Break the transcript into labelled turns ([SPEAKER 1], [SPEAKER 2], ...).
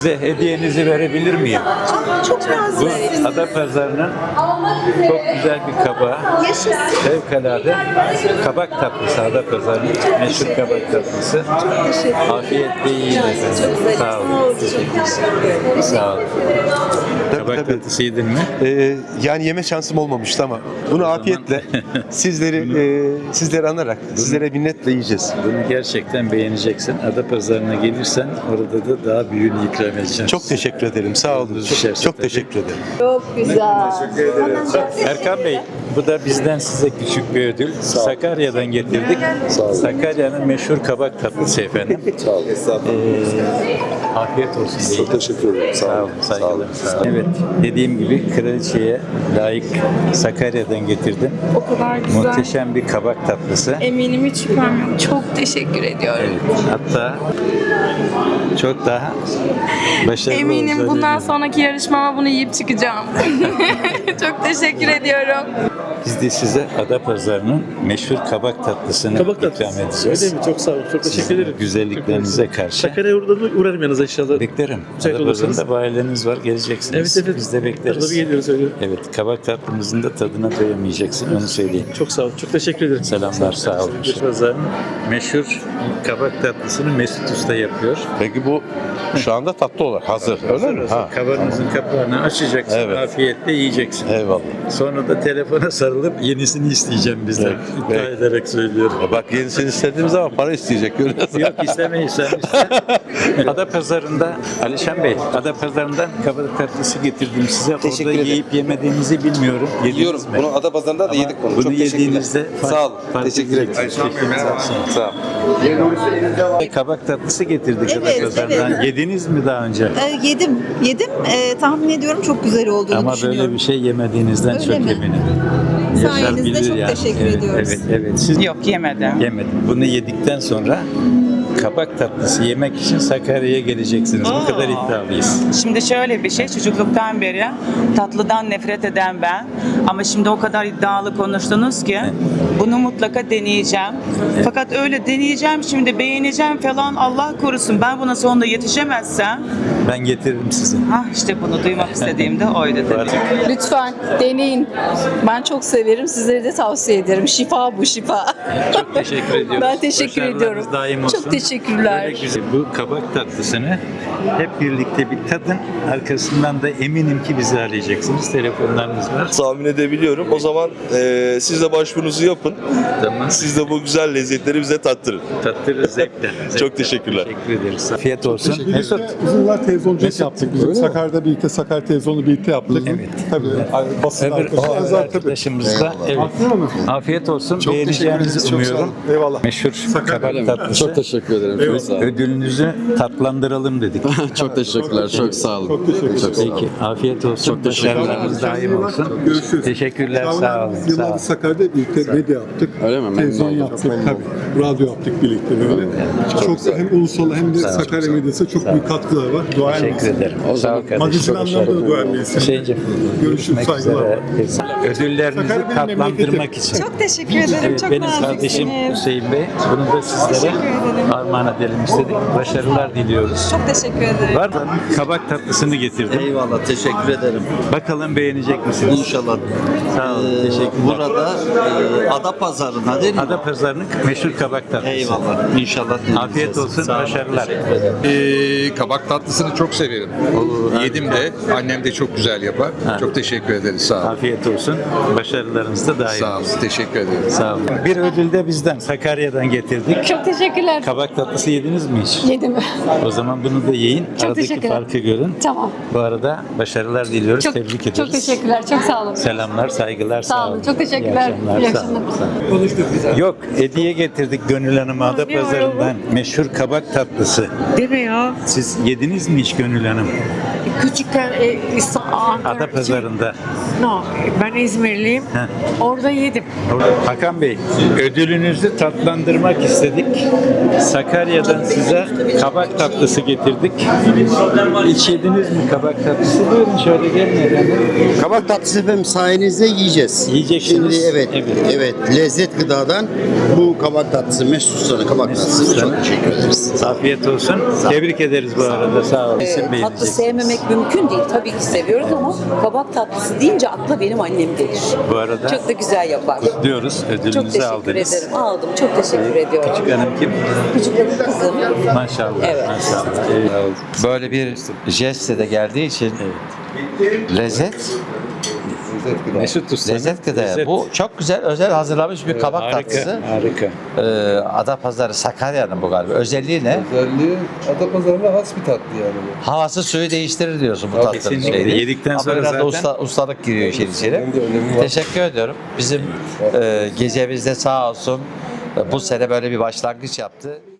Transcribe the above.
[SPEAKER 1] Size hediyenizi verebilir miyim?
[SPEAKER 2] Çok
[SPEAKER 1] Bu
[SPEAKER 2] nazik.
[SPEAKER 1] Adapazarı'nın çok güzel bir kabağı.
[SPEAKER 2] Yaşasın.
[SPEAKER 1] Fevkalade kabak tatlısı, Adapazarı'nın meşhur kabak tatlısı.
[SPEAKER 2] Teşekkür ederim.
[SPEAKER 1] Afiyetle yiyin efendim. Sağ olun. Sağ olun. Kabak tatlısı yedin mi?
[SPEAKER 3] Yani yeme şansım olmamıştı ama bunu afiyetle sizleri anarak, sizlere minnetle yiyeceğiz.
[SPEAKER 1] Bunu gerçekten beğeneceksin. Adapazarı'na gelirsen orada da daha büyüğünü ikram edeceğim.
[SPEAKER 3] Çok teşekkür ederim. Sağ olun. Çok teşekkür ederim.
[SPEAKER 2] Çok güzel.
[SPEAKER 1] Erkan Bey, bu da bizden size küçük bir ödül. Sakarya'dan getirdik. Sakarya'nın meşhur kabak tatlısı efendim.
[SPEAKER 4] Sağ olun.
[SPEAKER 1] Afiyet olsun.
[SPEAKER 4] Çok teşekkür ederim.
[SPEAKER 1] Sağ olun, saygılar. Sağ olun. Evet, dediğim gibi kraliçeye layık Sakarya'dan getirdim.
[SPEAKER 5] O kadar güzel.
[SPEAKER 1] Muhteşem bir kabak tatlısı.
[SPEAKER 5] Eminim hiç şüphem yok. Çok teşekkür ediyorum.
[SPEAKER 1] Evet, hatta çok daha başarılı
[SPEAKER 5] Eminim
[SPEAKER 1] olacağını
[SPEAKER 5] bundan
[SPEAKER 1] eminim.
[SPEAKER 5] sonraki yarışmama bunu yiyip çıkacağım. Çok teşekkür ediyorum.
[SPEAKER 1] Biz de size Adapazarı'nın meşhur kabak tatlısını ikram edeceğiz.
[SPEAKER 6] Öyle mi? Çok sağ olun. Çok teşekkür ederim.
[SPEAKER 1] Güzelliklerinize karşı.
[SPEAKER 6] Sakarya'ya uğrarım yanınıza inşallah.
[SPEAKER 1] Beklerim.
[SPEAKER 6] Müsait olursanız.
[SPEAKER 1] Adapazarı'nda bu aileniz var, geleceksiniz.
[SPEAKER 6] Evet.
[SPEAKER 1] Biz de bekleriz.
[SPEAKER 6] Tabii geliyoruz öyle.
[SPEAKER 1] Evet, kabak tatlımızın da tadına doyamayacaksın, onu söyleyeyim.
[SPEAKER 6] Çok sağ olun. Çok teşekkür ederim.
[SPEAKER 1] Selamlar, sağ olun. Adapazarı'nın meşhur kabak tatlısını Mesut Usta yapıyor.
[SPEAKER 3] Peki bu şu anda tatlı olarak hazır. Öyle mi? Ha.
[SPEAKER 1] Kavanozun kapağını açacaksın,
[SPEAKER 3] Evet.
[SPEAKER 1] afiyetle yiyeceksin.
[SPEAKER 3] Eyvallah.
[SPEAKER 1] Sonra da telefona sarılıp yenisini isteyeceğim bizden.
[SPEAKER 3] Evet,
[SPEAKER 1] İddia
[SPEAKER 3] evet.
[SPEAKER 1] ederek söylüyorum.
[SPEAKER 3] Bak yenisini istediğimiz zaman para isteyecek. Görüyorsun.
[SPEAKER 1] Yok istemeyiz sen iste. Adapazarı'nda Alişan Bey, Adapazarı'ndan kabak tatlısı getirdim size.
[SPEAKER 7] Teşekkür
[SPEAKER 1] Orada
[SPEAKER 7] ederim.
[SPEAKER 1] yiyip yemediğinizi bilmiyorum. Yediniz
[SPEAKER 7] Yiyorum.
[SPEAKER 1] mi?
[SPEAKER 7] Bunu Adapazarı'nda da yedik bunu.
[SPEAKER 1] Bunu
[SPEAKER 7] Çok teşekkürler.
[SPEAKER 1] yediğinizde
[SPEAKER 7] Sağ olun. Teşekkür ederim. Sağ olun.
[SPEAKER 1] Kabak tatlısı getirdik
[SPEAKER 2] Evet,
[SPEAKER 1] Adapazarı'ndan.
[SPEAKER 2] evet.
[SPEAKER 1] Yediniz mi daha önce?
[SPEAKER 2] Yedim. Tahmin ediyorum çok güzel olduğunu
[SPEAKER 1] Ama
[SPEAKER 2] düşünüyorum.
[SPEAKER 1] böyle bir şey yemediğinizden
[SPEAKER 2] Öyle
[SPEAKER 1] çok
[SPEAKER 2] mi?
[SPEAKER 1] eminim.
[SPEAKER 2] Sayenizde
[SPEAKER 1] bilir
[SPEAKER 2] çok teşekkür
[SPEAKER 1] evet,
[SPEAKER 2] ediyoruz.
[SPEAKER 1] Evet. Siz
[SPEAKER 8] Yok yemedim.
[SPEAKER 1] yemedim. Bunu yedikten sonra kabak tatlısı yemek için Sakarya'ya geleceksiniz. Bu kadar iddialıyız.
[SPEAKER 8] Şimdi şöyle bir şey, çocukluktan beri tatlıdan nefret eden ben. Ama şimdi o kadar iddialı konuştunuz ki bunu mutlaka deneyeceğim. Fakat öyle deneyeceğim, şimdi beğeneceğim falan, Allah korusun. Ben buna sonunda yetişemezsem,
[SPEAKER 1] Ben getiririm size.
[SPEAKER 8] işte bunu duymak istediğimde oydu tabii.
[SPEAKER 9] Lütfen deneyin. Ben çok severim. Sizlere de tavsiye ederim. Şifa bu, şifa.
[SPEAKER 1] Çok teşekkür ediyoruz.
[SPEAKER 9] Ben teşekkür
[SPEAKER 1] Başarılarınız
[SPEAKER 9] ediyorum.
[SPEAKER 1] daim olsun.
[SPEAKER 9] Çok teşekkürler.
[SPEAKER 1] Böyle güzel. Bu kabak tatlısını hep birlikte bir tadın. Arkasından da eminim ki bizi arayacaksınız. Telefonlarınız var.
[SPEAKER 4] Tahmin edebiliyorum. O zaman siz de başvurunuzu yapın.
[SPEAKER 1] Tamam.
[SPEAKER 4] Siz de bu güzel lezzetleri bize tattırın.
[SPEAKER 1] Tattırırız zevkle.
[SPEAKER 4] Çok teşekkürler.
[SPEAKER 1] Teşekkür ederiz. Afiyet olsun. Mesut.
[SPEAKER 10] Uzun yıllar televizyonculuk yaptık. Biz Sakarya'da birlikte, Sakarya televizyonu birlikte yaptık.
[SPEAKER 1] Evet.
[SPEAKER 10] Tabii. Basın
[SPEAKER 1] Öbür
[SPEAKER 10] arkadaşlarımız var tabii.
[SPEAKER 1] arkadaşımız da. Evet.
[SPEAKER 10] Aklına mı?
[SPEAKER 1] Afiyet olsun.
[SPEAKER 10] Çok teşekkür
[SPEAKER 1] Beğeneceğinizi
[SPEAKER 10] ederiz. Çok sağ
[SPEAKER 1] umuyorum.
[SPEAKER 10] olun. Eyvallah.
[SPEAKER 1] Meşhur kabak tatlısı.
[SPEAKER 11] Çok teşekkür ederim. Çok sağ olun.
[SPEAKER 1] Ödülünüzü tatlandıralım dedik.
[SPEAKER 11] Çok teşekkürler. Çok sağ olun.
[SPEAKER 10] Çok teşekkür ederim.
[SPEAKER 11] Çok sağ olun.
[SPEAKER 1] Peki. Afiyet olsun.
[SPEAKER 11] Çok teşekkür ederim.
[SPEAKER 1] Başarılarınız daim olsun.
[SPEAKER 10] Görüşürüz.
[SPEAKER 1] Teşekkürler. Sağ olun.
[SPEAKER 10] Biz
[SPEAKER 1] Sağ
[SPEAKER 10] yıllardır
[SPEAKER 1] olun.
[SPEAKER 10] Sakarya'da birlikte medya yaptık.
[SPEAKER 11] Öyle mi? Memnun
[SPEAKER 10] Televizyon
[SPEAKER 11] oldum.
[SPEAKER 10] yaptık. Tabii. Radyo yaptık birlikte böyle. Çok da hem ulusal hem de Sakarya medyasına çok büyük katkıları var. Duayen
[SPEAKER 1] Teşekkür ederim. Sağ ol kardeşim.
[SPEAKER 10] Magazin
[SPEAKER 1] Çok
[SPEAKER 10] anlamda da duayen birisi.
[SPEAKER 1] Hüseyin'cim.
[SPEAKER 10] Görüşürüz.
[SPEAKER 1] Görüşmek
[SPEAKER 10] Saygılar.
[SPEAKER 1] üzere. Ödüllerinizi
[SPEAKER 10] Sakarya benim
[SPEAKER 1] tatlandırmak
[SPEAKER 10] memleketim.
[SPEAKER 1] için.
[SPEAKER 2] Çok teşekkür ederim.
[SPEAKER 1] Evet,
[SPEAKER 2] çok
[SPEAKER 1] benim
[SPEAKER 2] naziksiniz.
[SPEAKER 1] kardeşim Hüseyin Bey. Bunu da sizlere armağan edelim istedik. Başarılar diliyoruz.
[SPEAKER 2] Çok teşekkür ederim.
[SPEAKER 1] Var mı? Kabak tatlısını getirdim.
[SPEAKER 7] Eyvallah. Teşekkür ederim.
[SPEAKER 1] Bakalım beğenecek misiniz?
[SPEAKER 7] İnşallah.
[SPEAKER 1] Sağ olun. Teşekkürler.
[SPEAKER 7] Burada Adapazarı'na değil mi?
[SPEAKER 1] Adapazarı'nın meşhur kabak tatlısı.
[SPEAKER 7] Eyvallah. İnşallah.
[SPEAKER 1] Afiyet olsun. Başarılar.
[SPEAKER 11] Kabak tatlısını çok severim. Yedim de. Annem de çok güzel yapar. Çok teşekkür ederiz. Sağ olun.
[SPEAKER 1] Afiyet olsun. Başarılarınız da daim
[SPEAKER 11] Sağ olun.
[SPEAKER 1] olsun.
[SPEAKER 11] Teşekkür ederim.
[SPEAKER 1] Sağ olun. Bir ödül de bizden. Sakarya'dan getirdik.
[SPEAKER 9] Çok teşekkürler.
[SPEAKER 1] Kabak tatlısı yediniz mi hiç?
[SPEAKER 9] Yedim.
[SPEAKER 1] O zaman bunu da yiyin. Aradaki
[SPEAKER 9] teşekkürler.
[SPEAKER 1] farkı görün.
[SPEAKER 9] Tamam.
[SPEAKER 1] Bu arada başarılar diliyoruz. Tebrik ederiz.
[SPEAKER 9] Çok teşekkürler. Çok sağ olun.
[SPEAKER 1] Selamlar, saygılar.
[SPEAKER 9] Sağ olun. Çok teşekkürler.
[SPEAKER 1] İyi
[SPEAKER 9] İyi
[SPEAKER 1] akşamlar.
[SPEAKER 9] akşamlar.
[SPEAKER 1] Sağ olun. Yok, hediye getirdik Gönül Hanım'a Adapazarı'ndan. Meşhur kabak tatlısı.
[SPEAKER 12] Değil mi ya?
[SPEAKER 1] Siz yediniz mi hiç Gönül Hanım?
[SPEAKER 12] Küçükken Ankara,
[SPEAKER 1] Adapazarı'nda.
[SPEAKER 12] No, ben İzmirliyim.
[SPEAKER 1] Heh.
[SPEAKER 12] Orada yedim.
[SPEAKER 1] Hakan Bey, ödülünüzü tatlandırmak istedik. Sakarya'dan size kabak tatlısı getirdik. Hiç yediniz mi kabak tatlısı? Buyurun şöyle gelin efendim.
[SPEAKER 7] Kabak tatlısı efendim sayenizde
[SPEAKER 13] yiyeceğiz.
[SPEAKER 1] Yiyeceksiniz.
[SPEAKER 13] Şimdi evet, lezzet gıdadan bu kabak tatlısı, Mesut Usta'nın kabak tatlısı. Çok teşekkür ederiz.
[SPEAKER 1] Afiyet olsun. Tebrik ederiz bu arada. Sağ olun.
[SPEAKER 9] Tatlı sevmemek mümkün değil. Tabii ki seviyoruz ama kabak tatlısı deyince akla benim annem gelir.
[SPEAKER 1] Bu arada
[SPEAKER 9] Çok da güzel yapar.
[SPEAKER 1] kutluyoruz.
[SPEAKER 9] Çok
[SPEAKER 1] Ödülünüzü
[SPEAKER 9] teşekkür
[SPEAKER 1] aldınız.
[SPEAKER 9] ederim. Aldım. Çok teşekkür ediyorum.
[SPEAKER 1] Küçük hanım kim?
[SPEAKER 9] Küçük hanım kızım.
[SPEAKER 1] Maşallah.
[SPEAKER 9] Evet.
[SPEAKER 1] Maşallah.
[SPEAKER 7] Böyle bir jestle de geldiği için lezzet
[SPEAKER 1] Mesut Usta'nın
[SPEAKER 7] lezzet gıdaya. Bu çok güzel özel hazırlanmış bir kabak
[SPEAKER 1] harika,
[SPEAKER 7] tatlısı.
[SPEAKER 1] harika.
[SPEAKER 7] Adapazarı Sakarya'nın bu galiba. Özelliği ne?
[SPEAKER 4] Özelliği Adapazarı'na has bir tatlı yani bu.
[SPEAKER 7] Havası suyu değiştirir diyorsun bu tatlının
[SPEAKER 1] Kesinlikle.
[SPEAKER 7] şeyi.
[SPEAKER 1] Yedikten
[SPEAKER 7] Ama
[SPEAKER 1] sonra
[SPEAKER 7] biraz da
[SPEAKER 1] zaten-
[SPEAKER 7] ustalık giriyor işin içine.
[SPEAKER 4] Hem de önemi var.
[SPEAKER 7] Teşekkür ediyorum. Bizim gecemizde sağ olsun bu sene böyle bir başlangıç yaptı.